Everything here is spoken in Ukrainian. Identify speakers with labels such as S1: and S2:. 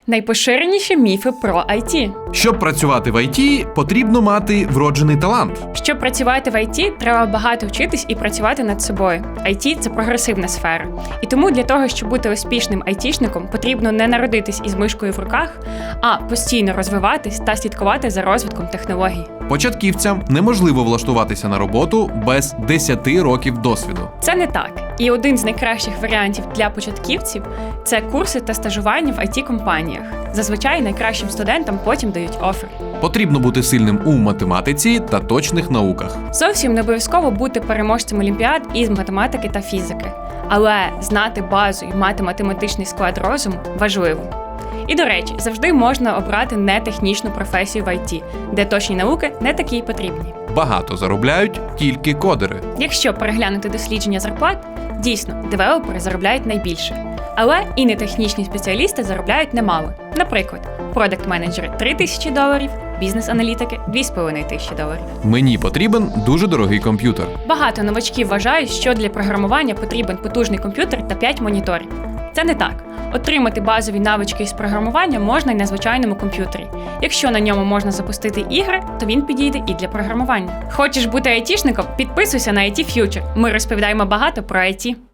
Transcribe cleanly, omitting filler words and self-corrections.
S1: Найпоширеніші міфи про IT.
S2: Щоб працювати в IT, потрібно мати вроджений талант.
S1: Щоб працювати в IT, треба багато вчитись і працювати над собою. IT – це прогресивна сфера. І тому для того, щоб бути успішним айтішником, потрібно не народитись із мишкою в руках, а постійно розвиватись та слідкувати за розвитком технологій.
S2: Початківцям неможливо влаштуватися на роботу без 10 років досвіду.
S1: Це не так. І один з найкращих варіантів для початківців – це курси та стажування в IT-компаніях. Зазвичай найкращим студентам потім дають офер.
S2: Потрібно бути сильним у математиці та точних науках.
S1: Зовсім не обов'язково бути переможцем олімпіад із математики та фізики. Але знати базу і мати математичний склад розуму важливо. І, до речі, завжди можна обрати нетехнічну професію в IT, де точні науки не такі й потрібні.
S2: Багато заробляють тільки кодери.
S1: Якщо переглянути дослідження зарплат, дійсно, девелопери заробляють найбільше. Але і нетехнічні спеціалісти заробляють немало. Наприклад, продакт-менеджери – $3000, бізнес-аналітики – $2500.
S2: Мені потрібен дуже дорогий комп'ютер.
S1: Багато новачків вважають, що для програмування потрібен потужний комп'ютер та 5 моніторів. Це не так. Отримати базові навички із програмування можна й на звичайному комп'ютері. Якщо на ньому можна запустити ігри, то він підійде і для програмування. Хочеш бути айтішником? Підписуйся на IT Future. Ми розповідаємо багато про IT.